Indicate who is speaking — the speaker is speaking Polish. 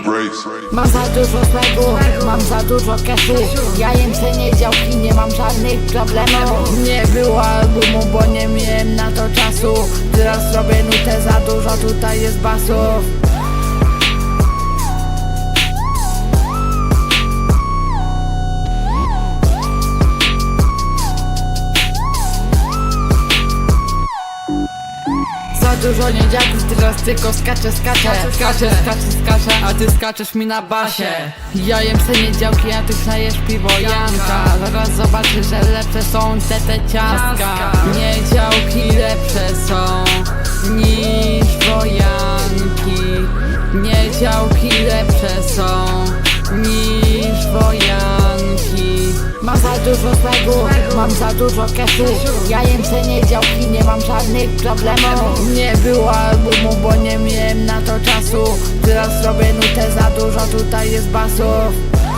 Speaker 1: Mam za dużo swego, mam za dużo cashu. Ja jem cenię działki, nie mam żadnych problemów. Nie było albumu, bo nie miałem na to czasu. Teraz robię nutę za dużo, tutaj jest basów. Za dużo niedziaków, teraz tylko skaczę, a ty skaczesz mi na basie. Ja jem se niedziałki, a ty knajesz piwo Janka. Zaraz zobaczysz, że lepsze są te ciastka. Niedziałki lepsze są niż wojanki. Niedziałki lepsze są niż wojanki. Mam za dużo swego, mam za dużo cashu. Ja jem se niedziałki, nie mam żadnych problemów. Nie było albumu, bo nie miałem na to czasu. Teraz robię nutę za dużo, tutaj jest basów.